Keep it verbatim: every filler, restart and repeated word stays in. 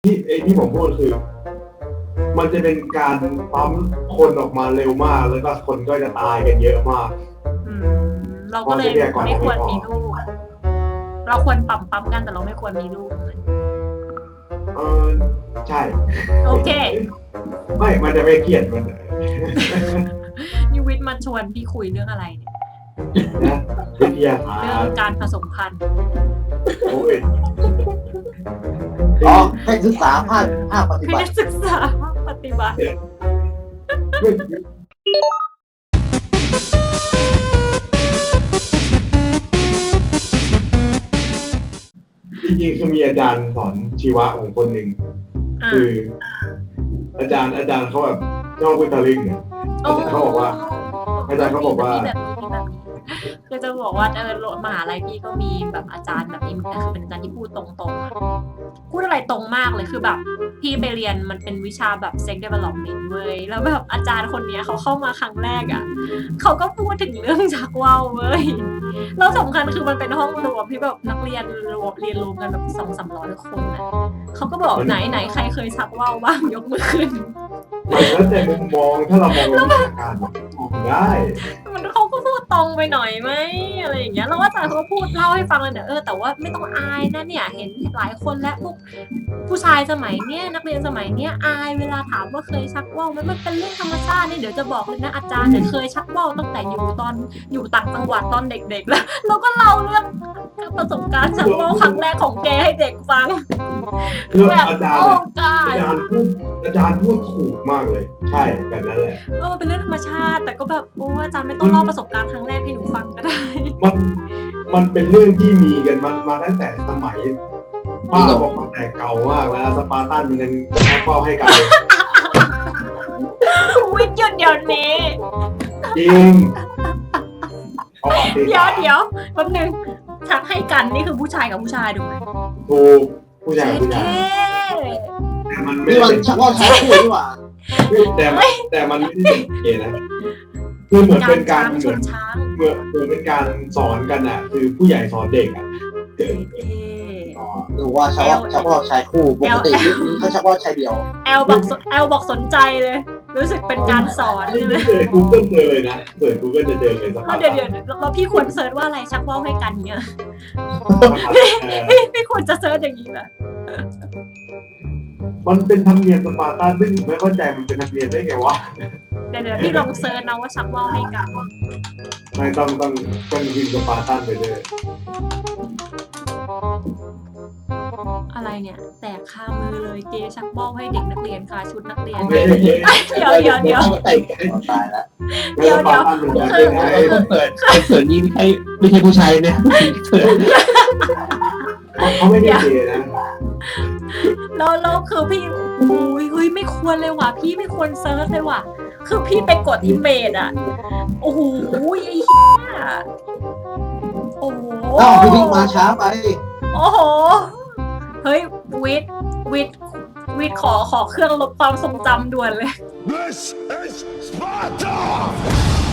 ที่ไอ้ที่ผมพูดคือ มันจะเป็นการปั๊มคนออกมาเร็วมากแล้วก็คนก็จะตายกันเยอะมากอืมเราก็เลยไม่ควรมีลูกเราควรปั๊มปั๊มกันแต่เราไม่ควรมีลูกเออใช่โอเคไม่มันจะไม่เครียดมันนิวิทย์มาชวนพี่คุยเรื่องอะไรเนี่ยนะวิทยาศาสตร์เรื่องการผสมพันธุ์โอ้ยอ๋อให้ศึกษาภาคภาคปฏิบัให้ติศึกษาปฏิบัติจริงๆคือมีอาจารย์สอนชีวะของคนหนึ่งคืออาจารย์อาจารย์เขาแบบชอบพุทธลิงเนี่ยอาจารย์เขาบอกว่าอาจารย์เขาบอกว่าคือจะบอกว่าเออมหาลัยพี่ก็มีแบบอาจารย์แบบนี้คือเป็นอาจารย์ที่พูดตรงๆพูดอะไรตรงมากเลยคือแบบพี่ไปเรียนมันเป็นวิชาแบบ sex development เว้ยแล้วแบบอาจารย์คนนี้เขาเข้ามาครั้งแรกอ่ะเขาก็พูดถึงเรื่องชักว่าวเว้ยแล้วสำคัญคือมันเป็นห้องรวมที่แบบนักเรียนรวมเรียนรวมกันแบบสองสามร้อยคนนะเขาก็บอกไหนไหนใครเคยชักว่าวบ้างยกมือขึ้นมันแล้วแต่มุมมองถ้าเรามองในวิชาการมองได้มันเขาก็พูดตรงไปหน่อยไหมอะไรอย่างเงี้ยแล้วอาจารย์เขาก็พูดเล่าให้ฟังเลยเนี่ยเออแต่ว่าไม่ต้องอายนะเนี่ยเห็นหลายคนและพวกผู้ชายสมัยเนี้ยนักเรียนสมัยเนี้ยอายเวลาถามว่าเคยชักว่าวไหมมันเป็นเรื่องธรรมชาตินี่เดี๋ยวจะบอกเลยนะอาจารย์เนี่ยเคยชักว่าวตั้งแต่อยู่ตอนอยู่ต่างจังหวัดตอนเด็กๆแล้วเราก็เล่าเรื่องประสบการณ์ชักว่าวครั้งแรกของแกให้เด็กฟังแบบอาจารย์อาจารย์พูดอาจารย์พูดถูกมากเลยใช่แบบนั้นแหละเออเป็นเรื่องธรรมชาติแต่ก็แบบโอ้อาจารย์ไม่ต้องเล่าประสบการณ์ครั้งแรกให้หนูฟังก็ได้มันมันเป็นเรื่องที่มีกันมามาตั้งแต่สมัยป้าบอกตั้งแต่เก่ามากแล้วสปาร์ตันมันยังเฝ้าให้กันวิทย์หยุดเดี๋ยวนี้จริงเดี๋ยวเดี๋ยวแป๊บนึงชักให้กันนี่คือผู้ชายกับผู้ชายถูกไหมถูกผู้ชายผู้ชายแต่มันไม่ได้ชักว่าใช้คู่ดีกว่าแต่แต่มันไม่ได้เก๋นะคือเหมือนเป็นการเหมือนเหมือนเหมือนเป็นการสอนกันอ่ะคือผู้ใหญ่สอนเด็กอ่ะหรือว่าชักว่าชักว่าใช้คู่ปกติเขาชักว่าใช้เดียวแอลบอกแอลบอกสนใจเลยรู้สึกเป็นการสอนเลยกูเกิลเจอเลยนะเปิดกูเกิลจะเจอเลยสักพักเดี๋ยวเดี๋ยวแล้วพี่ควรเซิร์ชว่าอะไรชักว่าวให้กันเนี่ยพี่ควรจะเซิร์ชอย่างนี้แหละมันเป็นธรรมเนียมสปาร์ตันซึ่งไม่เข้าใจมันเป็นธรรมเนียมได้ไงวะเดี๋ยวเดี๋ยวพี่ลองเซิร์ชนะว่าชักว่าวให้กันไม่ต้องต้องต้องยิงสปาร์ตันไปเลยอะไรเนี่ยแตกคามือเลยเกชักว่าวให้เด็กนักเรียนค่ะชุดนักเรียนเดี๋ยวเดี๋ยวเดี๋ยวตายแล้วเดี๋ยวเดี๋ยวคือเปิดเปิดนี่ไม่ใช่ไม่ใช่ผู้ชายเนี่ยเขาไม่ได้เกย์นะแล้วแล้วคือพี่อุ้ยเฮ้ยไม่ควรเลยว่ะพี่ไม่ควรเซิร์ชเลยว่ะคือพี่ไปกดอิมเมจอ่ะโอ้โหไอ้เหี้ยโอ้โหอ้าวพี่มาช้าไปโอ้โหเฮ้ยวิทวิทวิทขอขอเครื่องลบความทรงจำด่วนเลย This is Sparta